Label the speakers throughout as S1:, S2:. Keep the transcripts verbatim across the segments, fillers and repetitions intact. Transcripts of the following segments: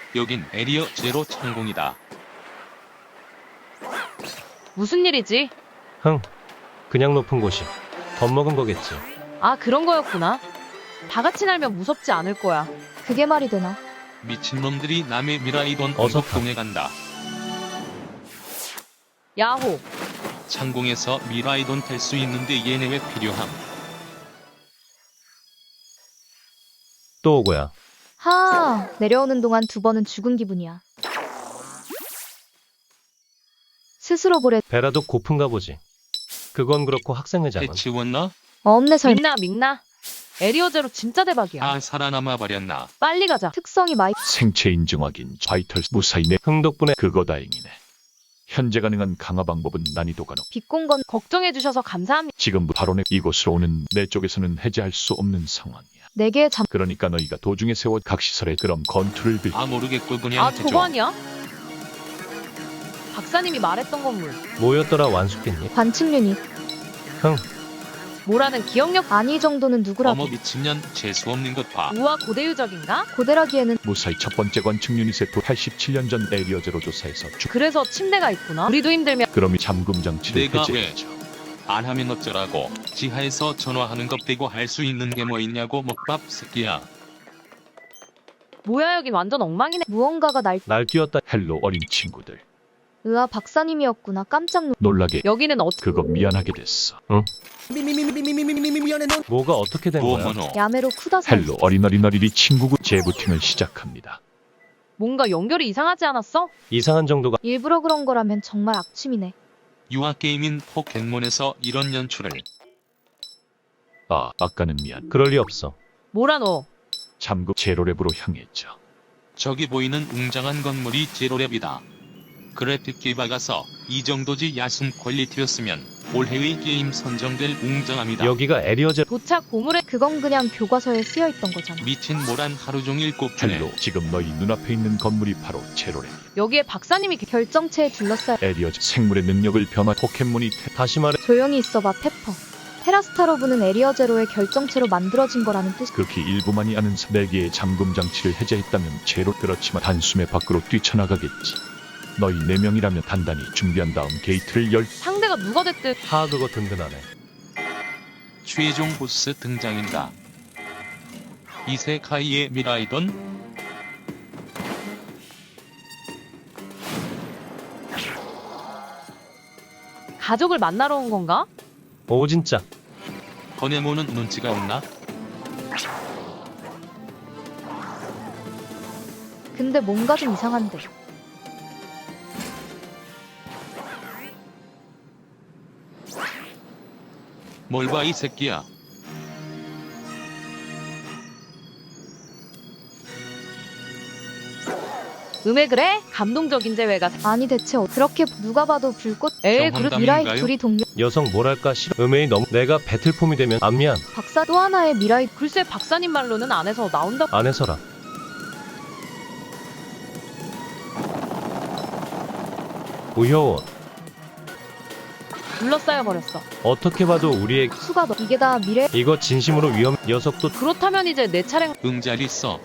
S1: 여긴 에리어 제로 창공이다.
S2: 무슨 일이지?
S3: 흥, 그냥 높은 곳이 겁먹은 거겠지.
S2: 아, 그런 거였구나. 다 같이 날면 무섭지 않을 거야.
S4: 그게 말이 되나?
S1: 미친놈들이 남의 미라이돈
S3: 어서
S1: 언덕동에 간다.
S2: 야호.
S1: 창공에서 미라이돈 탈 수 있는데 얘네 왜 필요함?
S3: 또 오고야.
S4: 하, 내려오는 동안 두 번은 죽은 기분이야. 스스로 보래.
S3: 배라도 고픈가 보지. 그건 그렇고 학생회장은
S1: 해치웠나?
S4: 없네 설.
S2: 민나, 민나. 에리어제로 진짜 대박이야.
S1: 아 살아남아 버렸나?
S2: 빨리 가자.
S4: 특성이 마이.
S5: 생체 인증 확인 바이털 무사히 내
S3: 흥 덕분에
S5: 그거 다행이네. 현재 가능한 강화 방법은 난이도가 높.
S4: 빗공건.
S2: 걱정해주셔서 감사합니다.
S5: 지금 바로 내 이곳으로 오는 내 쪽에서는 해제할 수 없는 상황이야.
S4: 네 개의 잠.
S5: 그러니까 너희가 도중에 세워 각 시설에 그럼 건투를 빌.
S1: 아 모르겠고 그냥
S2: 아,
S1: 해줘.
S2: 저거 아니야? 박사님이 말했던 건물.
S3: 뭐였더라 완숙했니?
S4: 관측 유닛.
S3: 흥,
S2: 뭐라는 기억력.
S4: 아니 이 정도는 누구라도.
S1: 어머 미친년 재수 없는 것 봐.
S2: 우와, 고대유적인가?
S4: 고대라기에는
S5: 무사히 첫 번째 관측 유닛의 도 팔십칠 년 전 에리어 제로 조사에서 주.
S2: 그래서 침대가 있구나. 우리도 힘들면.
S5: 그럼 이 잠금 장치를
S1: 내가
S5: 해제해줘.
S1: 안 하면 어쩌라고. 지하에서 전화하는 것 빼고 할 수 있는 게 뭐 있냐고 먹밥 새끼야.
S2: 뭐야, 여긴 완전 엉망이네.
S4: 무언가가 날.
S3: 날 뛰었다.
S5: 헬로 어린 친구들.
S4: 으아, 박사님이었구나. 깜짝 놀.
S5: 놀라게
S2: 여기는 어...
S5: 그거 미안하게 됐어.
S3: 뭐가 어떻게 된 거야?
S1: 뭐뭐노.
S4: 야매로 쿠다사.
S5: 헬로 어린어린어린이 친구구 재부팅을 시작합니다.
S2: 뭔가 연결이 이상하지 않았어?
S3: 이상한 정도가
S4: 일부러 그런 거라면 정말 악취미네.
S1: 유아게임인 포켓몬에서 이런 연출을.
S5: 아 아까는 미안.
S3: 그럴 리 없어.
S2: 뭐라 너.
S5: 잠금 제로랩으로 향했죠.
S1: 저기 보이는 웅장한 건물이 제로랩이다. 그래픽기 박아서 이 정도지 야숨 퀄리티였으면 올해의 게임 선정될 웅장함이다.
S3: 여기가 에리어제.
S2: 도착 고물에.
S4: 그건 그냥 교과서에 쓰여 있던 거잖아.
S1: 미친 모란 하루 종일 꼽주네.
S5: 헬로 지금 너희 눈앞에 있는 건물이 바로 제로랩.
S2: 여기에 박사님이 계-
S4: 결정체에 둘러싸여.
S5: 에리어 생물의 능력을 변화 포켓몬이 태...
S3: 다시 말해
S4: 조용히 있어봐, 페퍼. 테라스타로브는 에리어 제로의 결정체로 만들어진 거라는 뜻.
S5: 극히 일부만이 아는 네 개의 잠금 장치를 해제했다면 제로. 그렇지만 단숨에 밖으로 뛰쳐나가겠지. 너희 네 명이라면 단단히 준비한 다음 게이트를 열.
S2: 상대가 누가 됐든.
S3: 하 그거 든든하네.
S1: 최종 보스 등장인다. 이세카이의 미라이돈.
S2: 가족을 만나러 온 건가?
S3: 오 진짜.
S1: 거네모는 눈치가 없나?
S4: 근데 뭔가 좀 이상한데.
S1: 뭘 봐 이 새끼야.
S2: 음에 그래? 감동적인 재회가.
S4: 아니 대체 어- 그렇게 누가 봐도 불꽃.
S2: 에이,
S1: 정황
S2: 그렇
S4: 미라이
S1: 담인가요?
S4: 둘이 동료.
S3: 여성 뭐랄까 싫어. 음해이 너무 내가 배틀폼이 되면 안 미안.
S4: 박사 또 하나의 미라이.
S2: 글쎄, 박사님 말로는 안에서 나온다.
S3: 안 해서라. 우효원
S2: 둘러싸여 버렸어.
S3: 어떻게 봐도 우리의
S4: 수가 너. 이게 다 미래.
S3: 이거 진심으로 위험. 녀석도
S2: 그렇다면 이제 내 차례.
S1: 응잘 있어.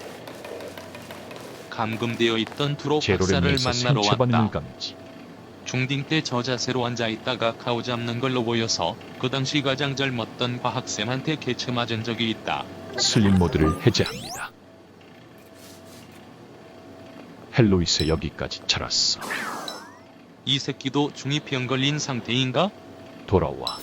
S1: 감금되어 있던 두로
S5: 제로랩
S1: 박사를
S5: 내에서
S1: 만나러
S5: 생체 반응을
S1: 왔다.
S5: 감지.
S1: 중딩 때 저 자세로 앉아있다가 가오 잡는 걸로 보여서 그 당시 가장 젊었던 과학쌤한테 개쳐 맞은 적이 있다.
S5: 슬링 모드를 해제합니다. 헬로이스 여기까지 자랐어.
S1: 이 새끼도 중이병 걸린 상태인가?
S5: 돌아와.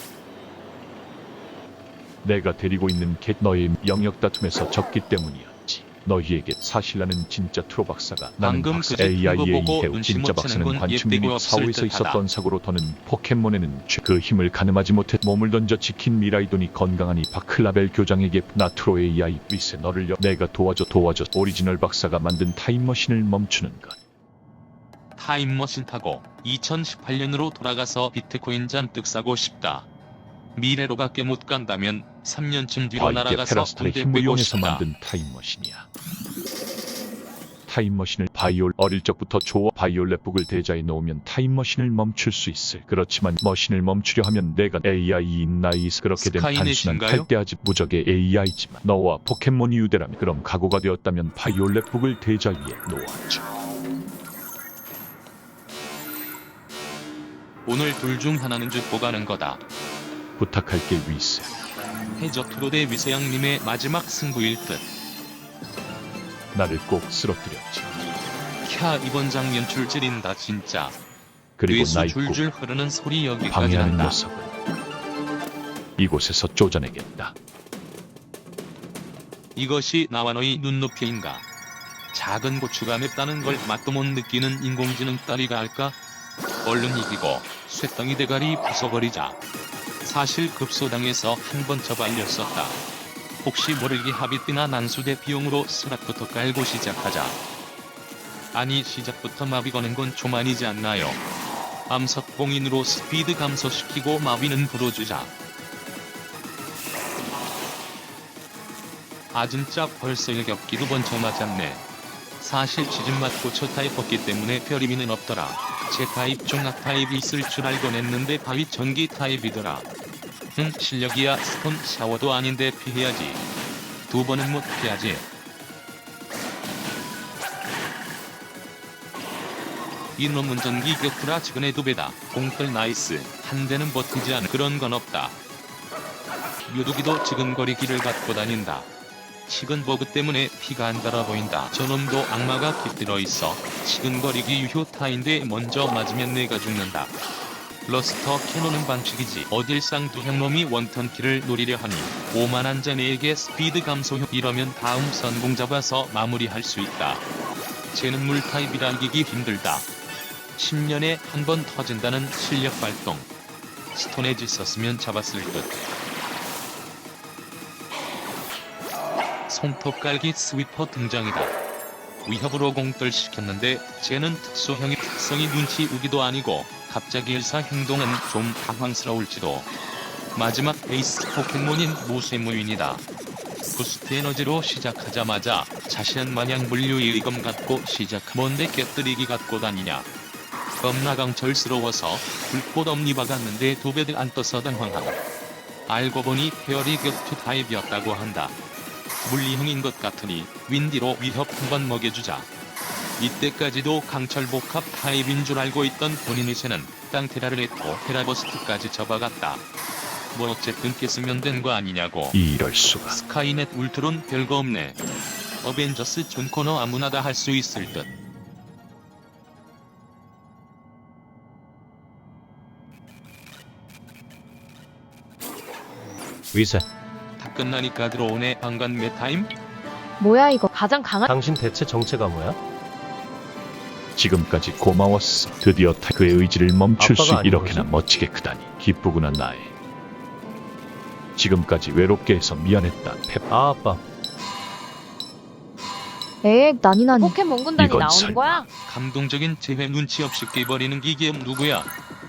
S5: 내가 데리고 있는 개 너의 영역 다툼에서 졌기 때문이었지. 너희에게 사실 나는 진짜 트로 박사가 나는
S1: 방금
S5: 박사
S1: 그 새끼 그거
S5: 에이아이에이
S1: 보고
S5: 해우
S1: 눈치
S5: 진짜
S1: 못 채는
S5: 박사는
S1: 건
S5: 관측
S1: 예쁘고
S5: 유닛
S1: 없을
S5: 사호에서
S1: 듯하다.
S5: 있었던 사고로 더는 포켓몬에는 죄- 그 힘을 가늠하지 못해 몸을 던져 지킨 미라이돈이 건강하니 바클라벨 교장에게 나트로 에이아이 위세 너를 여 내가 도와줘 도와줘 오리지널 박사가 만든 타임머신을 멈추는 것.
S1: 타임머신 타고 이천십팔 년으로 돌아가서 비트코인 잔뜩 사고 싶다. 미래로밖에 못 간다면 삼 년쯤 뒤로
S5: 아, 이게
S1: 날아가서
S5: 페라스타의
S1: 군대
S5: 힘을
S1: 빼고
S5: 이용해서
S1: 싶다.
S5: 만든 타임머신이야. 타임머신을 바이올 어릴 적부터 좋아 바이올렛북을 대자에 놓으면 타임머신을 멈출 수 있을. 그렇지만 머신을 멈추려 하면 내가 에이아이인 나이스. 그렇게 된 단순한
S1: 스카이넷인가요?
S5: 탈대아집 무적의 에이아이지만 너와 포켓몬이 유대라면 그럼 각오가 되었다면 바이올렛북을 대자 위에 놓아줘.
S1: 오늘 둘 중 하나는 죽고 가는 거다.
S5: 부탁할게 위스.
S1: 해저트로 대 위세양님의 마지막 승부일 듯.
S5: 나를 꼭 쓰러뜨렸지.
S1: 캬, 이번 장면 줄지린다 진짜.
S5: 그리고
S1: 뇌수
S5: 나의
S1: 줄줄 흐르는 소리 여기까지
S5: 방해하는
S1: 난다.
S5: 녀석은 이곳에서 쫓아내겠다.
S1: 이것이 나와 너의 눈높이인가? 작은 고추가 맵다는 걸 맛도 못 느끼는 인공지능 딸이가 할까? 얼른 이기고 쇳덩이 대가리 부숴버리자. 사실 급소당에서 한 번 처발렸었다. 혹시 모르게 합의비나 난수대 비용으로 스락부터 깔고 시작하자. 아니 시작부터 마비 거는 건 좀 아니지 않나요? 암석봉인으로 스피드 감소시키고 마비는 불어주자. 아 진짜 벌써 일겹기 두 번 쳐맞았네. 사실 지진 맞고 저 타입 없기 때문에 별 의미는 없더라. 제 타입 중 악타입이 있을 줄 알곤 했는데 바위 전기 타입이더라. 응 실력이야. 스톤 샤워도 아닌데 피해야지. 두 번은 못 피하지. 이놈은 전기 격투라 지근의 두 배다. 공떨 나이스. 한 대는 버티지 않은 그런 건 없다. 유두기도 지근거리기를 갖고 다닌다. 식은 버그 때문에 피가 안 달아 보인다. 저놈도 악마가 깃들어 있어. 지근거리기 유효타인데 먼저 맞으면 내가 죽는다. 러스터 캐논은 반칙이지. 어딜 쌍두형 놈이 원턴키를 노리려 하니 오만한 자네에게 스피드 감소형. 이러면 다음 선공 잡아서 마무리할 수 있다. 쟤는 물타입이라 이기기 힘들다. 십 년에 한 번 터진다는 실력 발동. 스톤에지 썼으면 잡았을 듯. 손톱 깔기 스위퍼 등장이다. 위협으로 공떨 시켰는데 쟤는 특수형의 특성이 눈치 우기도 아니고 갑자기 일사 행동은 좀 당황스러울지도. 마지막 에이스 포켓몬인 무쇠무인이다. 부스트 에너지로 시작하자마자 자신은 마냥 물류의 의검 갖고 시작. 뭔데 깨뜨리기 갖고 다니냐. 겁나 강철스러워서 불꽃 엄니 박았는데 두 배들 안 떠서 당황함. 알고 보니 페어리 격투 타입이었다고 한다. 물리형인 것 같으니 윈디로 위협 한번 먹여주자. 이때까지도 강철복합 타입인 줄 알고 있던 본인의 새는 땅테라를 했고 테라버스트까지 접어갔다. 뭐 어쨌든 깼으면 된 거 아니냐고.
S5: 이럴 수가.
S1: 스카이넷 울트론 별거 없네. 어벤져스 존 코너 아무나 다 할 수 있을 듯.
S3: 위세,
S1: 다 끝나니까 들어오네. 방간 메타임?
S4: 뭐야 이거.
S2: 가장 강한
S3: 당신 대체 정체가 뭐야?
S5: 지금까지 고마웠어. 드디어 타 그의 의지를 멈출 수
S3: 아빠가
S5: 이렇게나
S3: 아닌 거지?
S5: 멋지게 크다니 기쁘구나 나의. 지금까지 외롭게 해서 미안했다 펩.
S3: 아, 아빠.
S4: 에엑 난이나니.
S2: 포켓몬 군단이
S5: 이건
S2: 나오는
S5: 설마.
S2: 거야?
S1: 감동적인 재회 눈치 없이 깨버리는 기계음 누구야?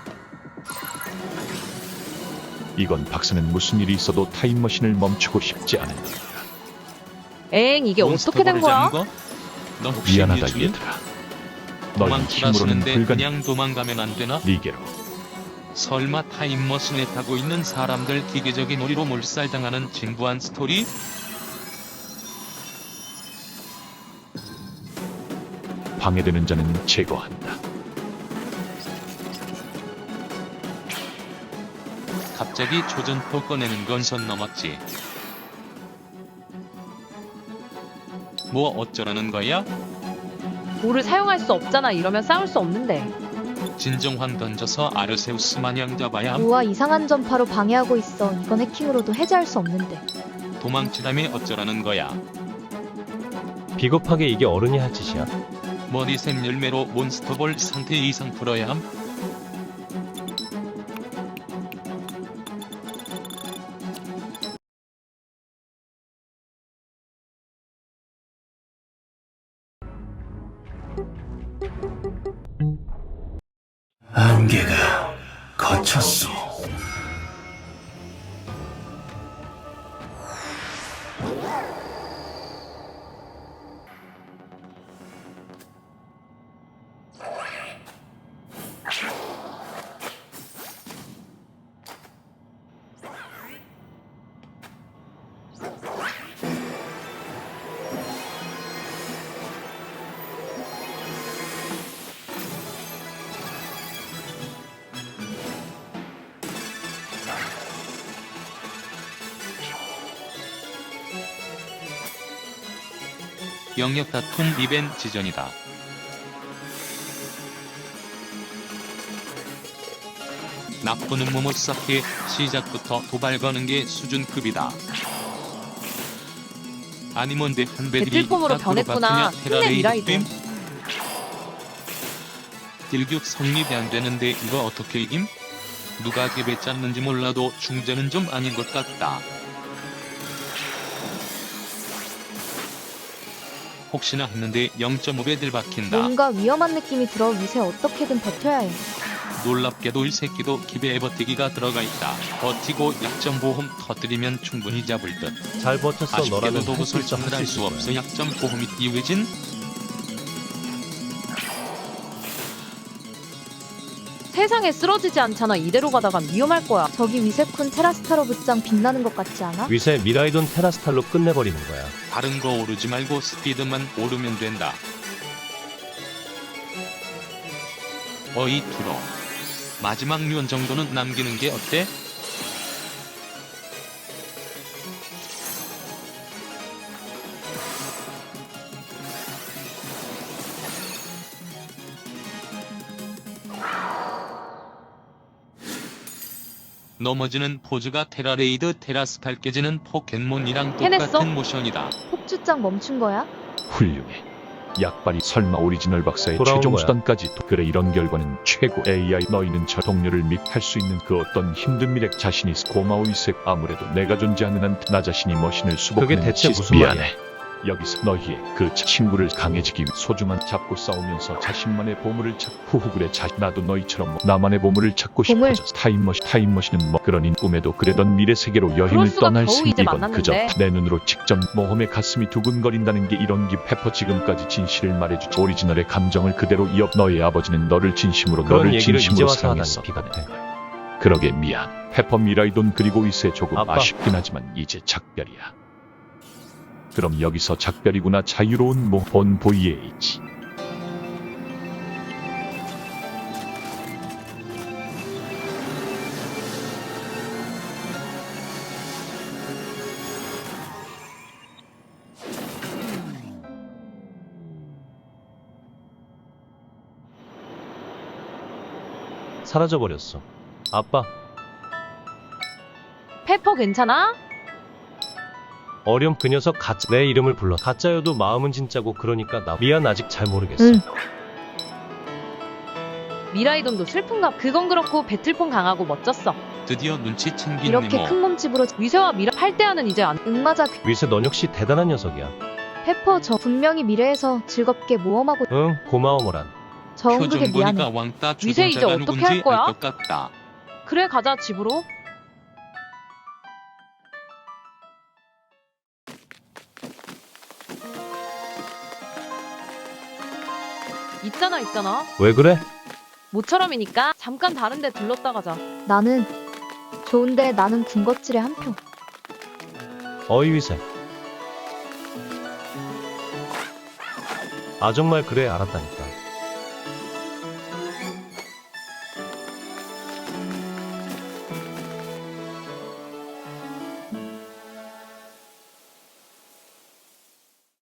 S5: 이건 박사는 무슨 일이 있어도 타임머신을 멈추고 싶지 않은 것.
S2: 에잉 이게 어떻게 된
S1: 몬스터볼을
S2: 거야?
S1: 잡은 거? 너 혹시
S5: 미안하다
S1: 예준이?
S5: 얘들아. 너희 힘으로는
S1: 도망치라시는데
S5: 불가능.
S1: 그냥 도망가면 안 되나?
S5: 니게로.
S1: 설마 타임머신에 타고 있는 사람들 기계적인 오리로 몰살당하는 진부한 스토리?
S5: 방해되는 자는 제거한다.
S1: 갑자기 조전포 꺼내는 건 선 넘었지. 뭐 어쩌라는 거야?
S2: 돌을 사용할 수 없잖아. 이러면 싸울 수 없는데.
S1: 진정황 던져서 아르세우스 마냥 잡아야 함.
S4: 우와 이상한 전파로 방해하고 있어. 이건 해킹으로도 해제할 수 없는데.
S1: 도망치다며 어쩌라는 거야.
S3: 비겁하게 이게 어른이 할 짓이야?
S1: 머리샘 열매로 몬스터볼 상태 이상 풀어야 함.
S6: 안개가 거쳤소.
S1: 영역 다툼 리벤 지전이다. 나쁘는 모모 쌓기 시작부터 도발 거는 게 수준급이다. 아니 뭔데 한 배들이
S2: 배틀폼으로 변했구나. 힘내, 미라이도.
S1: 딜교 성립이 안 되는데 이거 어떻게 이김? 누가 개배 짰는지 몰라도 중재는 좀 아닌 것 같다. 혹시나 했는데 영 점 오 배들 박힌다.
S4: 뭔가 위험한 느낌이 들어 위세 어떻게든 버텨야 해.
S1: 놀랍게도 이 새끼도 기배에 버티기가 들어가 있다. 버티고 약점 보험 터뜨리면 충분히 잡을 듯.
S3: 잘 버텼어. 너라면
S1: 아쉽게도 도구
S3: 할 수 있어,
S1: 설정을
S3: 할
S1: 할
S3: 수
S1: 수
S3: 있을
S1: 없어.
S3: 거야.
S1: 약점 보험이 이외진?
S2: 세상에 쓰러지지 않잖아. 이대로 가다간 위험할 거야.
S4: 저기 위세쿤 테라스타로 붙장 빛나는 것 같지 않아?
S3: 위세 미라이돈 테라스탈로 끝내버리는 거야.
S1: 다른 거 오르지 말고 스피드만 오르면 된다. 어이 투로. 마지막 류원 정도는 남기는 게 어때? 넘어지는 포즈가 테라레이드 테라스팔 깨지는 포켓몬이랑
S2: 해냈어?
S1: 똑같은 모션이다.
S4: 폭주장 멈춘 거야?
S5: 훌륭해. 약발이 설마 오리지널 박사의
S3: 돌아온
S5: 최종
S3: 거야.
S5: 수단까지 도- 그래 이런 결과는 최고. 에이아이 너희는 저 동료를 믹할 수 있는 그 어떤 힘든 미래 자신이 있어. 고마워 이색. 아무래도 내가 존재하는 한 나 자신이 머신을 수복하는
S3: 그게 대체
S5: 시스-
S3: 무슨
S5: 미안해.
S3: 말이야?
S5: 여기서 너희의 그 친구를 강해지기 위해 소중한 잡고 싸우면서 자신만의 보물을 찾. 후후 그래 자 나도 너희처럼 뭐 나만의 보물을 찾고
S4: 보물.
S5: 싶어져. 타임머신 타임머신은 뭐 그러니 꿈에도 그래던 미래 세계로
S2: 그럴
S5: 여행을
S2: 수가
S5: 떠날
S2: 겨우
S5: 생
S2: 이제
S5: 이건 그저
S2: 만났는데.
S5: 내 눈으로 직접 모험의 가슴이 두근거린다는 게 이런 기. 페퍼 지금까지 진실을 말해주지. 오리지널의 감정을 그대로 이어. 너의 아버지는 너를 진심으로
S3: 그런
S5: 너를
S3: 얘기를 이제
S5: 진심으로
S3: 와서 하다니
S5: 사랑했어.
S3: 비겁해.
S5: 그러게 미안. 페퍼 미라이돈 그리고 이세 조금
S3: 아빠.
S5: 아쉽긴 하지만 이제 작별이야. 그럼 여기서 작별이구나. 자유로운 모본 브이에이치.
S3: 사라져버렸어. 아빠,
S2: 페퍼 괜찮아?
S3: 어렴 그 녀석 가짜 내 이름을 불러. 가짜여도 마음은 진짜고 그러니까 나 미안 아직 잘 모르겠어.
S4: 응.
S2: 미라이돈도 슬픈가? 그건 그렇고 배틀폼 강하고 멋졌어.
S1: 드디어 눈치 챙긴
S4: 이렇게
S1: 네모.
S4: 큰 몸집으로
S2: 위세와 미라 팔 대하는 이제 안.
S4: 응 맞아.
S3: 위세 넌 역시 대단한 녀석이야.
S4: 페퍼 저 분명히 미래에서 즐겁게 모험하고
S3: 응 고마워 모란.
S4: 저
S1: 표정
S4: 흥국에
S1: 보니까
S4: 미안해.
S1: 왕따
S2: 위세 이제
S1: 주전자가
S2: 어떻게
S1: 누군지
S2: 할 거야?
S1: 알 것 같다.
S2: 그래 가자 집으로. 있잖아 있잖아.
S3: 왜 그래?
S2: 모처럼이니까 잠깐 다른 데 들렀다 가자.
S4: 나는 좋은데 나는 군것질에 한 표.
S3: 어이 위세. 아 정말 그래 알았다니까.